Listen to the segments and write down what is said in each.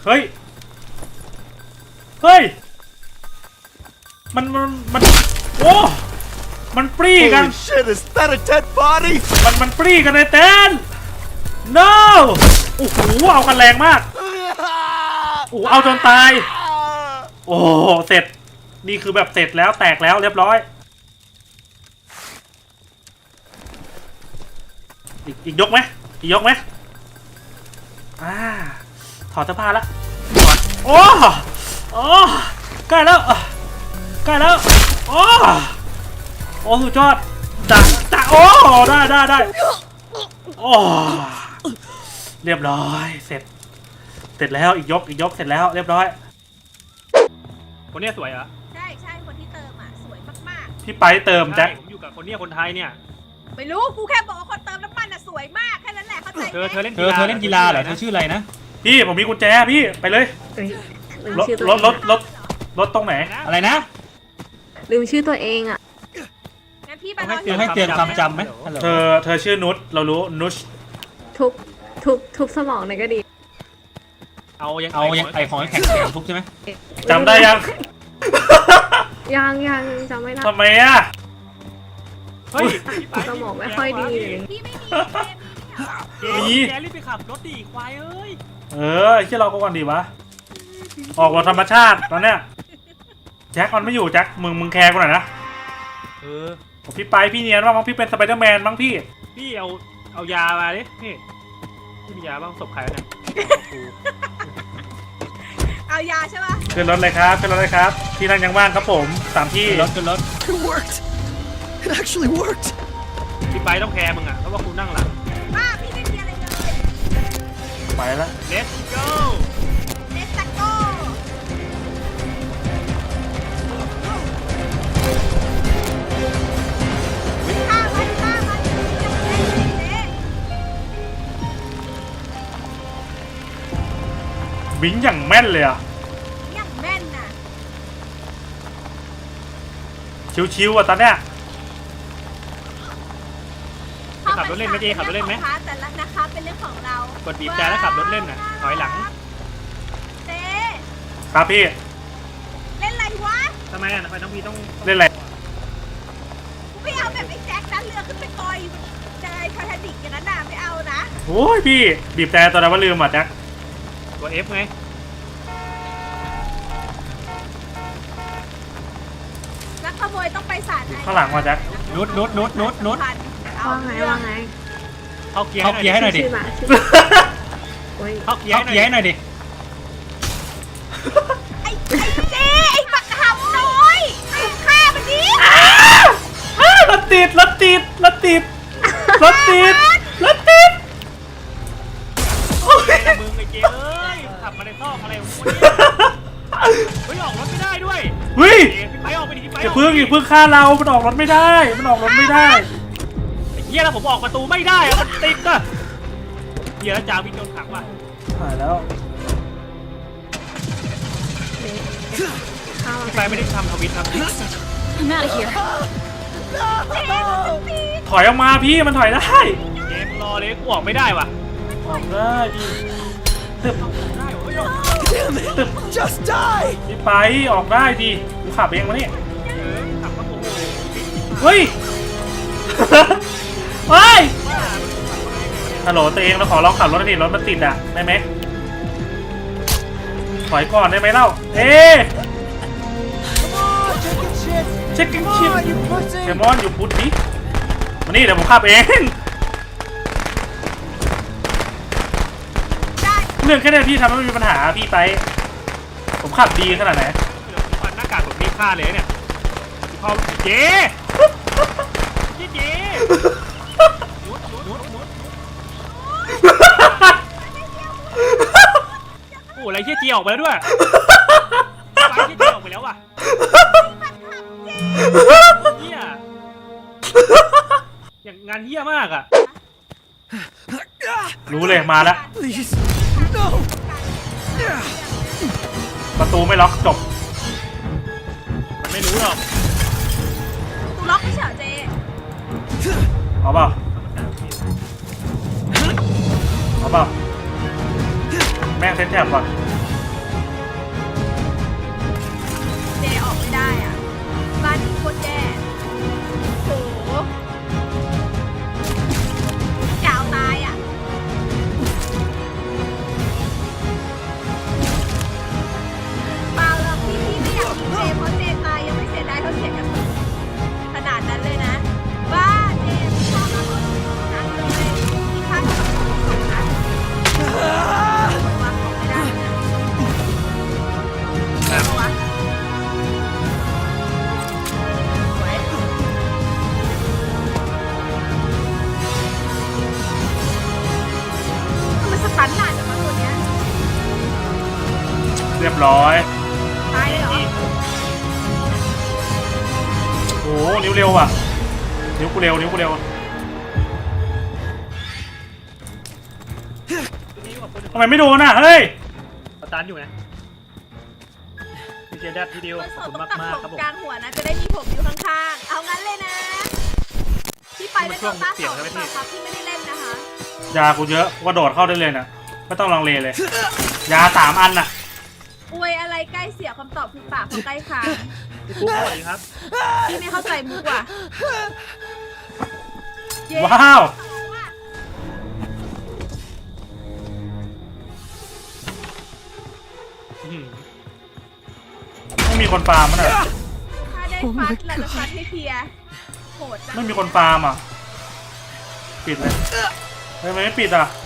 เฮ้ยเฮ้ยมันโอ้มันปรีกัน Holy shit, is that a dead body? มันปรีกันในเต็นท์ no โอ้โหเอากันแรงมากโอ้เอาจนตายโอ้เสร็จนี่คือแบบเสร็จแล้วแตกแล้วเรียบร้อยอีกยกไหมอีกยกไหมถอดเสื้อผ้าแล้วถอดโอ้ใกล้แล้วใกล้แล้วโอ้สุดยอดจ้าโอ้ได้โอ้เรียบร้อยเสร็จแล้วอีกยกเสร็จแล้วเรียบร้อยคนนี้สวยเหรอใช่คนที่เติมอ่ะสวยมากพี่ไปเติมแจ็คผมอยู่กับคนนี้คนไทยเนี่ยๆไม่รู้กูแค่บอกว่าคนเติมน้ำมันอ่ะสวยมากแค่นั้นแหละเข้าใจไหมเธอเล่นกีฬาเหรอเธอชื่ออะไรนะพี่ผมมีกุญแจพี่ไปเลยรถตรงไหนอะไรนะลืมชื่อตัวเองอ่ะงั้นพี่ไปให้เตือนความจำไหมเธอชื่อนุชเรารู้นุชทุบสมองหน่อยก็ดีเอาไอของแข็งทุบใช่ไหมจำได้ยังยังจำไม่ได้ทำไมอ่ะเฮ้ยสมองไม่ค่อยดีพี่ไม่มีแกรีบไปขับรถดิควายเอ้ยที่เราก็ก่อนดีวะออกรถธรรมชาติตอนเนี้ยแจ็คมันไม่อยู่แจ็คมึงแคร์กูหน่อยนะพี่ไปพี่เนียนว่ามั้งพี่เป็นสไปเดอร์แมนมั้งพี่เอายามาดิพี่มียาบ้างศพใครเนี่ยเอายาใช่ป่ะขึ้นรถเลยครับที่นั่งยังว่างครับผม3ที่ขึ้นรถ It worked. It actually worked. พี่ไปต้องแคร์มึงอ่ะเพราะว่ากูนั่งหลังพี่ไม่มีอะไรเลยไปแล้ว Let's go Let's go วิ่งอย่างแม่นเลยอ่ะอย่างแม่นน่ะชิวๆอ่ะตอนเนี้ยขับรถเล่นไหมเจ๊ขับรถเล่นไหมแต่ละนะคะเป็นเรื่องของเรากดบีบแต่แล้วขับรถเล่นน่ะถอยหลังเจ๊ครับพี่เล่นอะไรวะทำไมอ่ะทำไมต้องพี่ต้องเล่นอะไรกูไม่เอาแบบไอ้แจ็คนั้นเรือขึ้นไปกอยใจไททานิกอย่างนั้นน่ะไม่เอานะโอ้ยพี่บีบแต่ตอนนั้นว่าลืมอ่ะแจ็คตัว F ไงนักขโมยต้องไปศาลข้างหลังมาแจ็คนุชว่าไงเข้าเกียร์ให้หน่อยดิเข้าเกียร์ให้หน่อยดิไอ้เจ๊ไอ้บักหำน้อยถูกฆ่ามันดิรถติดมึงไอ้เจ๊เอ้ยขับมาในซอกอะไรของมึงเฮ้ยออกรถไม่ได้ด้วยเฮ้ยไปออกไปดิไปอย่าเพิ่งฆ่าเรามันออกรถไม่ได้ไอ้เหี้ยแล้วผมออกประตูไม่ได้อะมันติดอะเหี้ยแล้วจ่าวินโดนขังว่ะหายแล้วไปไม่ได้ทำทวิตครับถอยออกมาพี่มันถอยได้เกมรอเลยกูออกไม่ได้ว่ะออกได้ดิตึบ Damn it! Just die! พี่ไปออกได้ดิกูขับเองมาเนี่ยขับมาโอ้โหเฮ้ยฮัลโหลตัวเองเราขอลองขับรถหน่อยดิรถมันติดอ่ะได้ไหมถอยก่อนได้ไหมเล่าเช็คกิ้งชิปเดมอนอยู่พุทธดิมานี่เดี๋ยวผมขับเองเรื่องแค่นี้พี่ทำให้ไม่มีปัญหาพี่ไปผมขับดีขนาดไหนฟันหน้ากากผมนี่ฆ่าเลยเนี่ยเขาเจ๊โอ้อะไรเจ๊ออกไปแล้วด้วยไปเจ๊ออกไปแล้วว่ะเฮียอย่างงานเฮียมากอ่ะรู้เลยมาแล้วประตูไม่ล็อกจบมันไม่รู้หรอกประตูล็อกไม่เฉยเจเอาเปล่าแม่งเซ็ตแถบก่อนไม่ได้อ่ะบ้านนี้โคตรแย่โหจะเอาตายอ่ะเปล่าหรอกพี่ไม่อยากยิงเจเพราะเจตายยังไม่เสียดายเท่าเสียกระสุนขนาดนั้นเลยนะบ้าเจชอบมากเลยนั้นเลยที่ข้างกับของนะวางของไม่ได้นะเอาวะสวยมันสตันหนาจังวะตัวเนี้ยเรียบร้อยตายเลยเหรอโอ้โหนิ้วเร็วว่ะนิ้วกูเร็วนิ้วกูเร็วตัวนี้อยู่กับคนหนึ่งทำไมไม่โดนอ่ะเฮ้ยประตันอยู่นะพี่เจแดดพี่ดิวมันขสอบดคุณต้องมากตัดมากผครับผมมกลางหัวนะ จะได้มีผมอยู่ข้างๆ เอางั้นเลยนะ พี่ไปเป็นตัวต้าสองหรือเปล่าครับพี่ไม่ได้เล่นนะคะยากูเยอะกูกระโดดเข้าได้เลยนะไม่ต้องลังเลเลย ยา3 อันน่ะอวยอะไรใกล้เสียคำตอบคือปากเขาใกล้คางพี่ปุ๊กสวัสดีครับพี่ไม่เข้าใจมุกว่ะเย้ว้าวอื้อหือไม่มีคนฟาร์มมั้งน่ะถ้าได้ฟัดเราจะฟัดให้เพลียโหดจังไม่มีคนฟาร์มอ่ะปิดเลยเฮ้ยทำไมไม่ปิดอ่ะ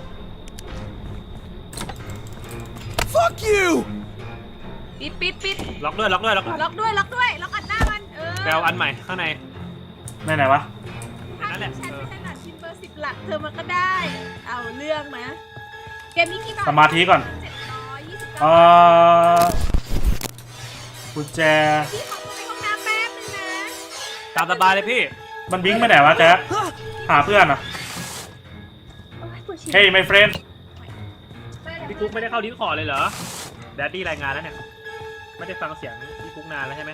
Fuck you! ปิดล็อกด้วยล็อกด้วยล็อกด้วยล็อกด้วยล็อกอัดหน้ามันแปลอันใหม่ข้างในไหนวะถ้านั่นแหละฉันไม่ถนัดชิมเบอร์10 หลักเธอมันก็ได้ เอาเรื่องนะ เกมนี้กี่บาทสมาธิก่อน 729 เอ่อกุญแจพี่ขอตัวไปห้องน้ำแป๊บนึงนะตามสบายเลยพี่มันบิงไปไหนวะแจ๊คหาเพื่อนอ่ะโอ้ยปวดฉี่เฮ้ย my friend พี่กุ๊กไม่ได้เข้าดิสคอร์ดเลยเหรอแดดดี้รายงานแล้วเนี่ยไม่ได้ฟังเสียงพี่กุ๊กนานแล้วใช่ไหม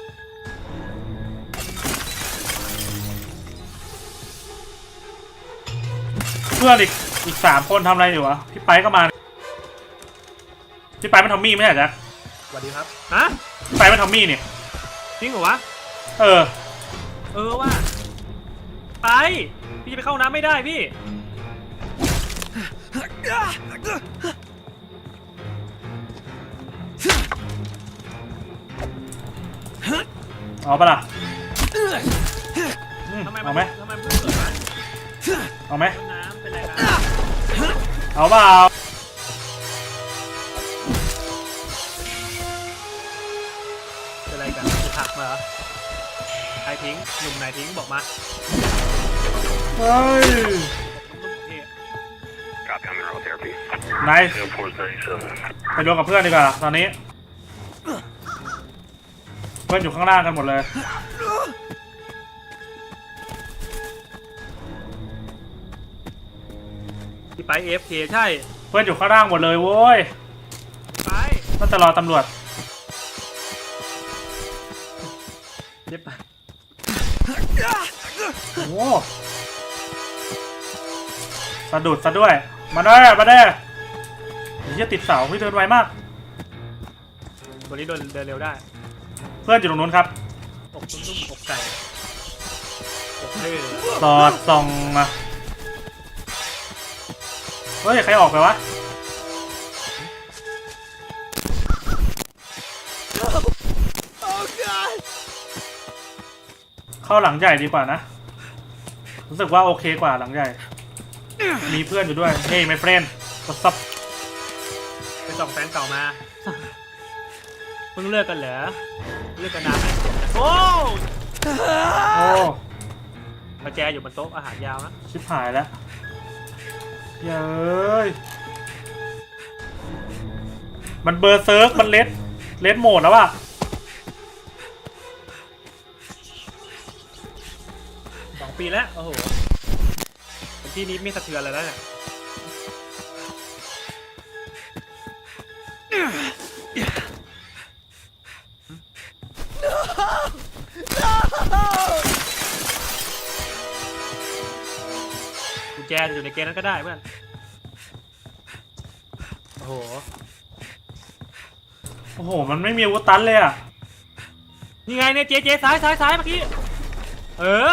เพื่อนอีก3 คนทำอะไรอยู่วะพี่ไปก็มาพี่ไปมันทอมมี่ไม่ใช่เหรอแจ๊คสวัสดีครับฮะพี่ไปมันทอมมี่นี่จริงเหรอวะเออว่าไปพี่จะไปเข้าน้ำไม่ได้พี่เอาปะล่ะทำไมเอาไหมทำไมเพิ่งเกิดมาเอาไหมน้ำเป็นไรนะเอาเปล่าเป็นไรกันจะผักมาเหรอใครทิ้งหนุ่มไหนทิ้งบอกมาเฮ้ยนุ่มๆพี่ Copy on mineral therapy. นาย 0437. ไปรวมกับเพื่อนดีกว่าตอนนี้ เพื่อนอยู่ข้างล่างกันหมดเลยพี่ไป AFK ใช่เพื่อนอยู่ข้างล่างหมดเลยโว้ยไปน่าจะรอตำรวจเดี๋ยวไปโอ้สะดุดซะด้วย มาได้เฮียติดเสาพี่เดินไวมากวันนี้เดินเร็วได้เพื่อนอยู่ตรงนู้นครับอกนุ่มๆอกไก่อกเท่สอดส่องมาเฮ้ย ใครออกไปวะ Oh god! เข้าหลังใหญ่ดีกว่านะ รู้สึกว่าโอเคกว่าหลังใหญ่ มีเพื่อนอยู่ด้วย เฮ้ย my friend what's up ไปส่องแฟนเก่ามาเพิ่งเลิกกันเหรอเลิกกันนานไหมโอ้โอ้ประแจอยู่บนโต๊ะอาหารยาวนะชิบหายแล้วเย้ยมันเบอร์เซิร์ฟมันเลดโหมดแล้วอะ 2 ปีแล้ว โอ้โหเป็นที่นี้ไม่สะเทือนเลยแล้วเนี่ย กุญแจจะอยู่ในเกมนั้นก็ได้เพื่อน โอ้โหโอ้โห มันไม่มีอาวุธตันเลยอะนี่ไงเนี่ยเจซ้ายเมื่อกี้เออ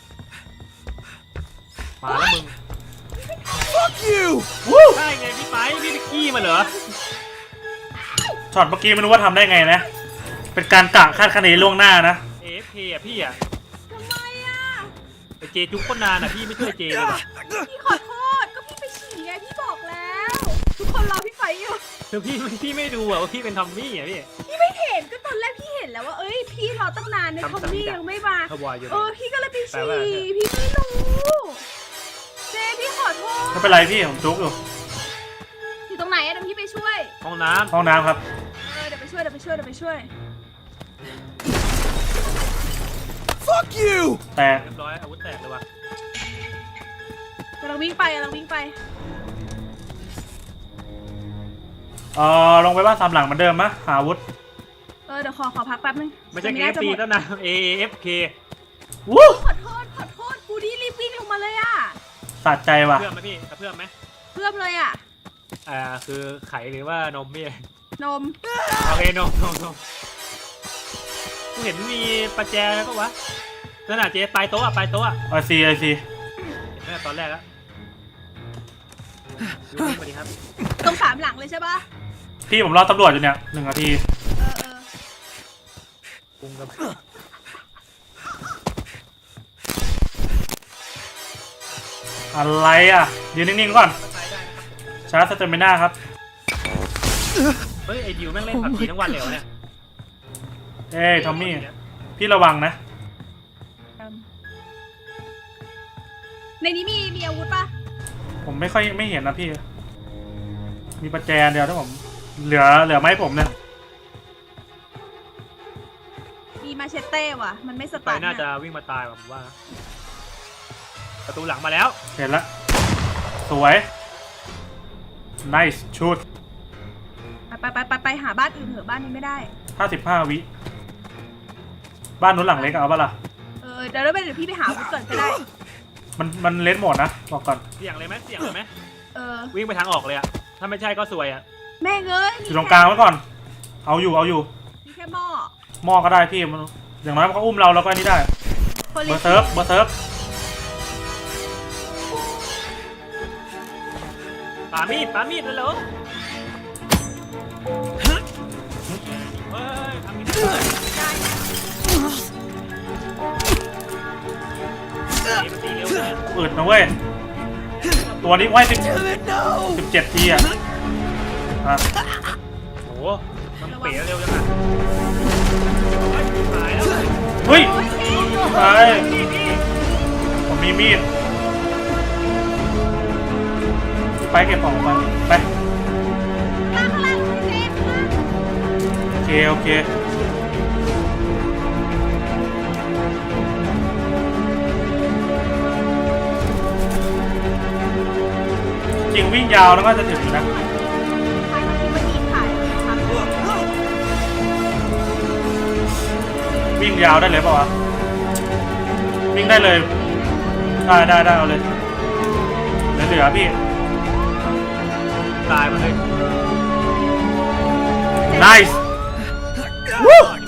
มาแล้วมึง Fuck you! ใช่ไงพี่ไปขี้มาเหรอช็อตเมื่อกี้ไม่รู้ว่าทำได้ไงนะ เป็นการกะคาดคะเนล่วงหน้านะ AFK อ่ะพี่อ่ะทำไมอ่ะไอเจจุกคนนานอ่ะพี่ไม่ช่วยเจเลยว่ะพี่ขอโทษก็พี่ไปฉี่ไงพี่บอกแล้ว ทุกคนรอพี่ไฟอยู่คือพี่ไม่ดูอ่ะว่าพี่เป็นทอมมี่อ่ะพี่พี่ไม่เห็นก็ตอนแรกพี่เห็นแล้วว่าเอ้ยพี่รอตั้งนานในทอมมี่ยังไม่มาเขาวอยอยู่พี่ก็เลยไปแปลฉี่ว่าพี่ไม่รู้เจพี่ขอโทษไม่เป็นไรพี่ผมจุกอยู่อยู่ตรงไหนอะเดี๋ยวพี่ไปช่วยห้องน้ห้องน้ำครับเดี๋ยวไปช่วยเดี๋ยวไปช่วย Fuck you! แต่ำเรียบร้อยอาวุธแตกเลยว่ะกำลังวิ่งไปลงไปบ้านสามหลังเหมือนเดิมมะหาอาวุธเดี๋ยวขอพักแป๊บนึงไม่ใช่จะ KFC หมดตั้งนาน AFK วู้ขอโทษกูนี่รีบวิ่งลงมาเลยอ่ะสะใจว่ะเพื่อมไหมพี่เพื่อมไหมเพิ่มเลยอ่ะคือไข่หรือว่านมพี่นมโอเคนมกูเห็นมีประแจแล้วก็วะนั่นน่ะเจปลายโต๊ะอ่ะไอซีเห็นไหมตอนแรกแล้วดูนี่มาดีครับตรง3หลังเลยใช่ปะพี่ผมรอตำรวจอยู่เนี่ย1 นาทีปรุงกับอะไรอ่ะยืนนิ่งๆก่อนใช้ได้นะครับชาร์จสเตมิน่าครับเฮ้ยไอดิวแม่งเล่นผับจีทั้งวันเลยเหรอเนี่ยเอ้ยทอมมี่ พี่ระวังนะในนี้มีอาวุธปะผมไม่เห็นนะพี่ มีประแจเดียวถ้าผมเหลือไม้ผมเนี่ยมีมาเชตเต้ว่ะ มันไม่สไปตาร์ทน่าจะวิ่งมาตายว่ะผมว่านะประตูหลังมาแล้วเห็นละสวย nice shoot ไปหาบ้านอื่นเถอะบ้านนี้ไม่ได้ 55 วิบ้านนู้นหลังเล็กเอาปะล่ะเดี๋ยวพี่ไปหาอาวุธก่อนก็ได้มันเลนหมดนะบอกก่อนเสี่ยงเลยไหมเวิ่งไปทางออกเลยอะถ้าไม่ใช่ก็ซวยอะแม่งเอ้ยอยู่ตรงกลางไว้ก่อน เอาอยู่มีแค่หม้อหม้อก็ได้พี่มันอย่างน้อยมันก็อุ้มเราแล้วก็อันนี้ได้คนเบเล็อก ร์เซิร์ฟปามีดเลยเหรอเฮ้ยทำมีดได้นะมันตีเร็วเลยอึดนะเว้ย ตัวนี้ไว้ Damn it, no! 17 ทีอ่ะโอ้โหมันเป๋เร็วจังอะตายแล้วเฮ้ยโอ้ยพี่ไปพี่ผมมีมีด ไปเก็บของไปข้างล่างพี่เจข้างล่างโอเค จริงวิ่งยาวแล้วก็จะถึงอยู่นะใครมาคิดว่าอีถ่ายครับวิ่งยาวได้เลยเปล่าวะ วิ่งได้เลย ได้เอาเลยเหลือพี่ตายมาเลย nice วู้